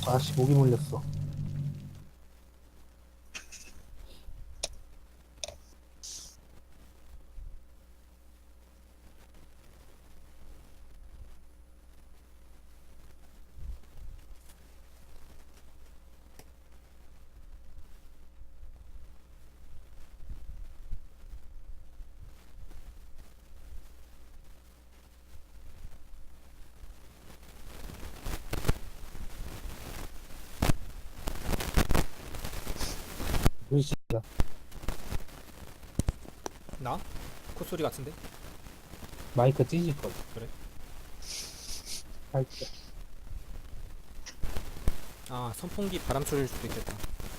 아씨 목이 물렸어. 물씨가 나? 콧소리 같은데? 마이크 찢을 거. 그래? 살짝. 아, 선풍기 바람 소리일 수도 있겠다.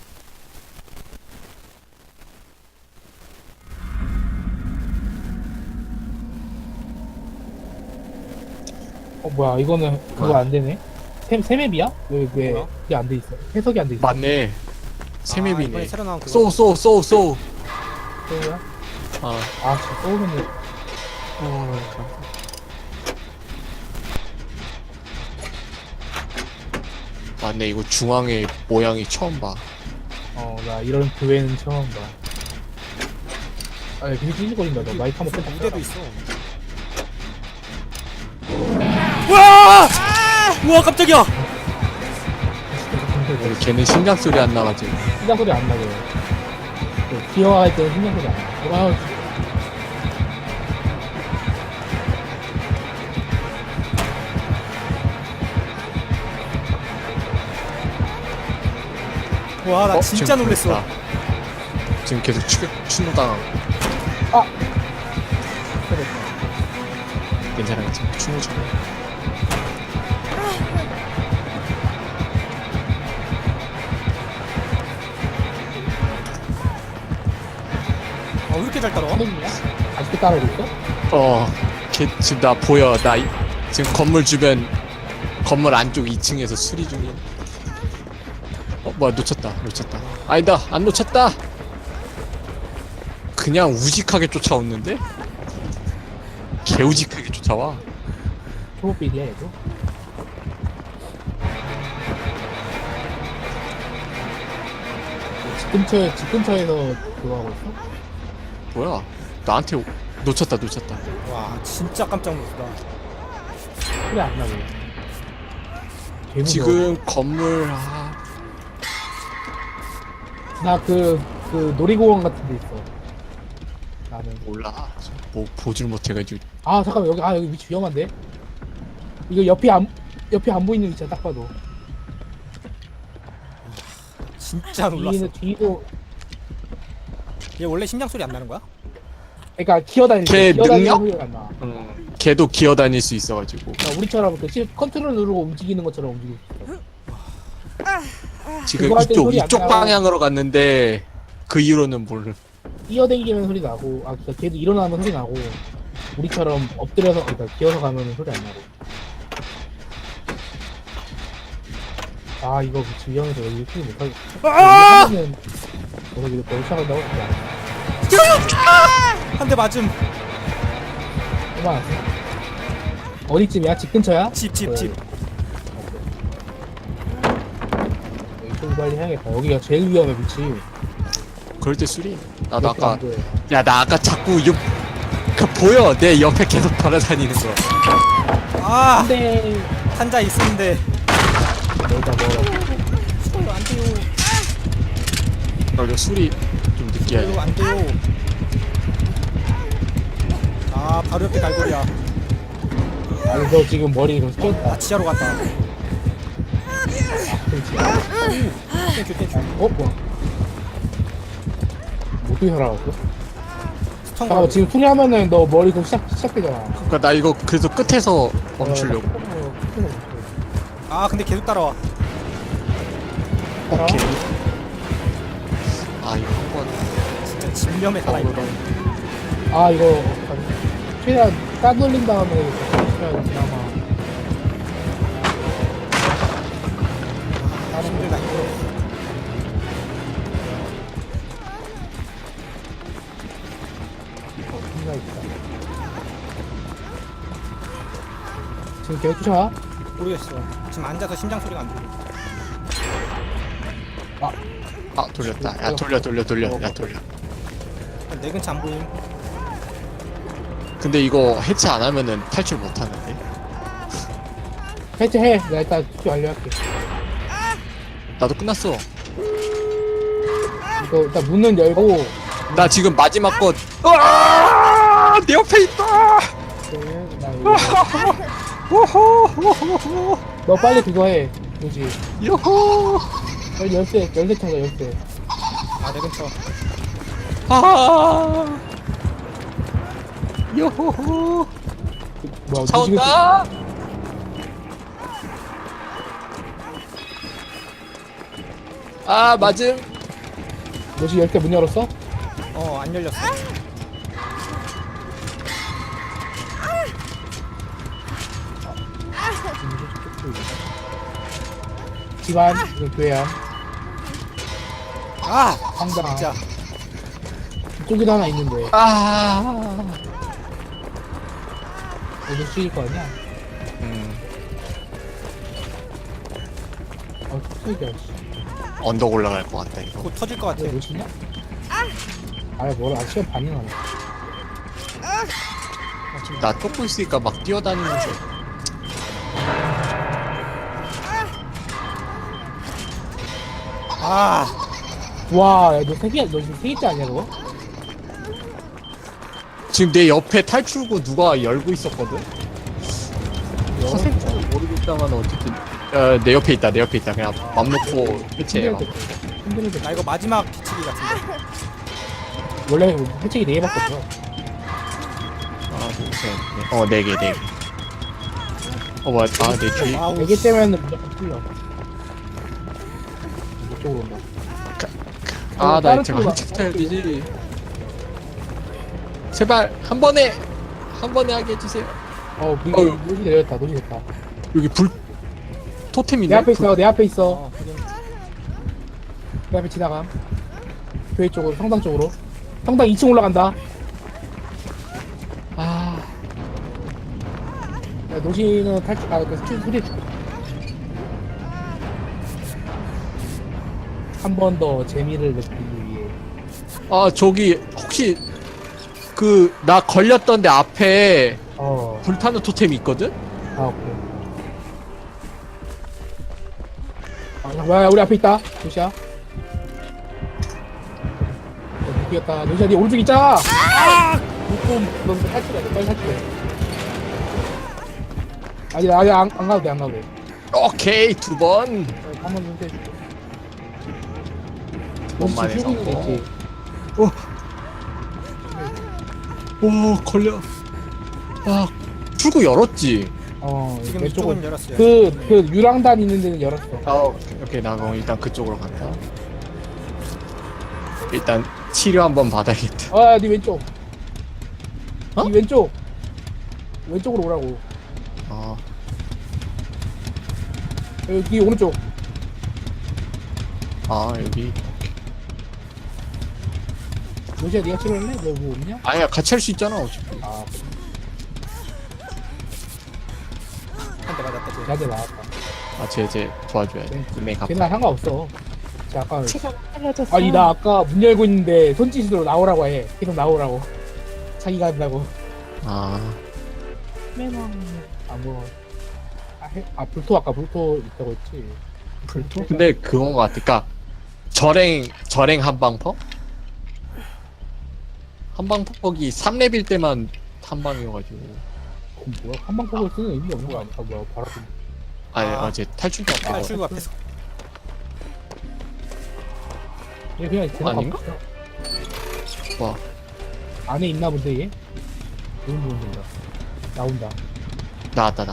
뭐야 이거는 그거 뭐야? 안 되네. 세맵이야? 왜 뭐야? 그게 안 돼 있어? 해석이 안 돼 있어. 맞네. 아, 세맵이네. 이번에 새로 나온 그거. 쏘. 소우야? 아. 저 소우면은 맞네. 이거 중앙의 모양이 처음 봐. 나 이런 교회는 처음 봐. 아, 되게 찢어거린다. 너 마이크 한번 끄자. 무대도 있어. 우와! 우와, 깜짝이야! 우리 걔는 심장 소리 안 나가지고. 심장 소리 안 나게. 기어할 때는 심장 소리 안 나. 와, 와, 나 진짜 지금 놀랬어. 보였다. 지금 계속 추노당하고. 괜찮아, 괜찮아. 추노 중. 아, 왜 이렇게 잘 따라와? 사람이야? 아직도 따라오고 있어? 걔 지금 나 보여. 지금 건물 주변, 건물 안쪽 2층에서 수리 중이야. 뭐야, 놓쳤다. 아니다, 안 놓쳤다! 그냥 우직하게 쫓아오는데? 개우직하게 쫓아와. 초보빌이야 얘도? 집 근처에서 그거 하고 있어? 뭐야? 나한테 놓쳤다. 와, 진짜 깜짝 놀랐다. 소리 안 나게. 개 무서워. 지금 건물 나 놀이공원 같은 데 있어. 나는. 몰라. 뭐 보질 못해가지고. 잠깐만, 여기 위치 위험한데? 이거 옆에 안 보이는 위치야, 딱 봐도. 진짜 놀랐어. 뒤도, 얘 원래 심장 소리 안 나는 거야? 그러니까 기어다니는 걔 능력? 소리가 안 나. 걔도 기어다닐 수 있어가지고. 우리처럼 컨트롤 누르고 움직이는 것처럼 움직이고 있어. 지금 그거 할땐 소리 안 이쪽 나고. 방향으로 갔는데 그 이후로는 모르. 뛰어다니면 소리 나고, 그러니까 걔도 일어나면 소리 나고, 우리처럼 엎드려서, 그러니까 기어서 가면 소리 안 나고. 이거 그치, 위험해서 여기 크게 못하겠어. 아! 하면은, 이거 더 시작한다고? 한 대 맞음. 그만. 어디쯤이야? 집 근처야? 집. 여기 좀 빨리 해야겠다. 여기가 제일 위험해, 위치. 그럴 때 수리. 나도 옆에 아까 안 보여. 나 아까 자꾸 보여. 내 옆에 계속 돌아다니는 거. 아, 안돼. 한자 있었는데. 여기다 뭐 이거 안 돼요. 이거 수리 좀 늦게 해야 돼. 이거 안 돼요. 아, 바로 옆에 갈고리야. 너 지금 머리 좀 스쳤다. 지하로 갔다. 땡큐. 뭐야? 어떻게 살아갔어? 스턴 잠깐만, 지금 수리하면은 너 머리 좀 시작되잖아. 그러니까 나 이거 그래서 끝에서 멈추려고. 아, 근데 계속 따라와. 따라와? 오케이. 이거 한번 진짜 집념에 살아있다. 이거 어떡하지? 최대한 따돌린 다음에 시켜야 그나마. 힘들다, 힘들어. 생각 있다. 지금 계속 쫓아와? 모르겠어. 지금 앉아서 심장 소리가 안 들려. 아 돌렸다. 야 돌려. 야 돌려. 내 근처 안 보임. 근데 이거 해체 안 하면은 탈출 못 하는데. 해체해. 내가 일단 투표 완료할게. 나도 끝났어. 이거 일단 문은 열고. 나 지금 마지막 것. 으아! 내 옆에 있다. 그러면 나 이거. 너 빨리 그거 해. 뭐지? 요호. 빨리 열쇠 찾아 열쇠. 아, 내 근처. 아. 요호호. 뭐야? 차온다. 아 맞음. 뭐지 열쇠 문 열었어? 안 열렸어. 집안 이거 교회안 아! 상당. 진짜. 이쪽에도 하나 있는데 아. 이거 쓰일 거 아니야? 툭툭이야. 언덕 올라갈 것 같다 이거. 곧 터질 것 같아. 이거 뭐지냐? 아 뭐라 아 시간 반이나 나. 지금 나 쫓고 있으니까 막 뛰어다니면서. 아! 와, 야, 너 세개, 너 지금 세 개째 아니야, 그거? 지금 내 옆에 탈출구 누가 열고 있었거든? 어, 모르겠다만 어쨌든 내 옆에 있다 그냥 맘 놓고 해체해. 힘들어. 나 이거 마지막 뒤치기 같은데. 원래 해책이 네 개밖에 없어. 하나 둘셋넷 네 개. 뭐야 내 뒤. 와우. 네 개째면 무조건 풀려. 이쪽으로 온다. 나 다른 제발 쪽으로 해체 타야 되지. 제발 한 번에 하게 해주세요. 노지 내렸다, 노지 됐다. 여기 불 토템이네. 내 앞에 있어, 내 앞에 있어. 확인. 내 앞에 지나감. 교회 쪽으로, 성당 쪽으로. 성당 2층 올라간다. 아 야, 노지는 탈출, 그 소리 한 번 더 재미를 느끼기 위해. 저기 혹시 그 나 걸렸던데 앞에 불타는 토템이 있거든? 오케이. 야, 우리 앞에 있다. 노시야. 느끼겠다. 노시야, 니 오른쪽 있잖아! 넌 탈출해야 돼. 빨리 탈출해. 아니, 안 가도 돼, 안 가도 돼. 오케이 2번. 한번 좀 해줄게. 뭔만 해서. 있지. 오 걸려. 출구 열었지. 지금 왼쪽은 이쪽은 열었어요. 그 유랑단 있는 데는 열었어. 오케이 나 그럼 일단 그쪽으로 간다. 일단 치료 한번 받아야겠다. 니 왼쪽. 니 왼쪽. 왼쪽으로 오라고. 여기 오른쪽. 여기. 노시야, 니가 치료할래? 너 뭐 없냐? 아니야 같이 할 수 있잖아 어차피. 한 대 맞았다, 쟤. 나한테 나왔다. 쟤 도와줘야 돼. 금액 갚아. 걔는 상관없어. 아까 아니 나 아까 문 열고 있는데 손짓으로 나오라고 해. 계속 나오라고. 자기가 한다고. 뭐. 불토 아까 불토 있다고 했지. 불토? 근데 그건 것 같아. 그니까 절행 한방퍽? 한방퍽이 3렙일 때만 한방이어가지고. 그럼 뭐야? 한방폭을 쓰는 의미가 없는 거 아니야? 뭐야? 바로 어제 탈출도 안 되고. 탈출구 앞에서. 얘 그냥 계속 아닌가? 가고 있어. 와. 안에 있나 본데 얘? 너무 보인다. 나온다. 나왔다.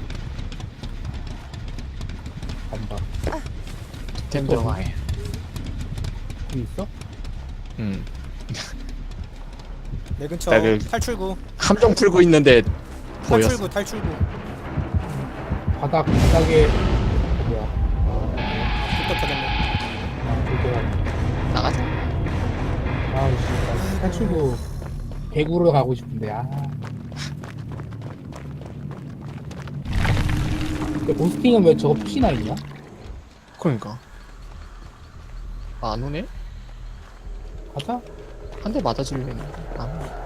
간다. 템 정화해. 여기 있어? 내 근처 나 그- 탈출구. 함정 풀고 있는데 보였어. 탈출구. 바닥에 뭐야? 불떡 터졌네. 그게 나가자. 씨, 탈출구 개구로 가고 싶은데 근데 보스팅은 왜 저거 푸시나 있냐? 그러니까. 안 오네? 가자. 한 대 맞아줄래 했는데 안 오네.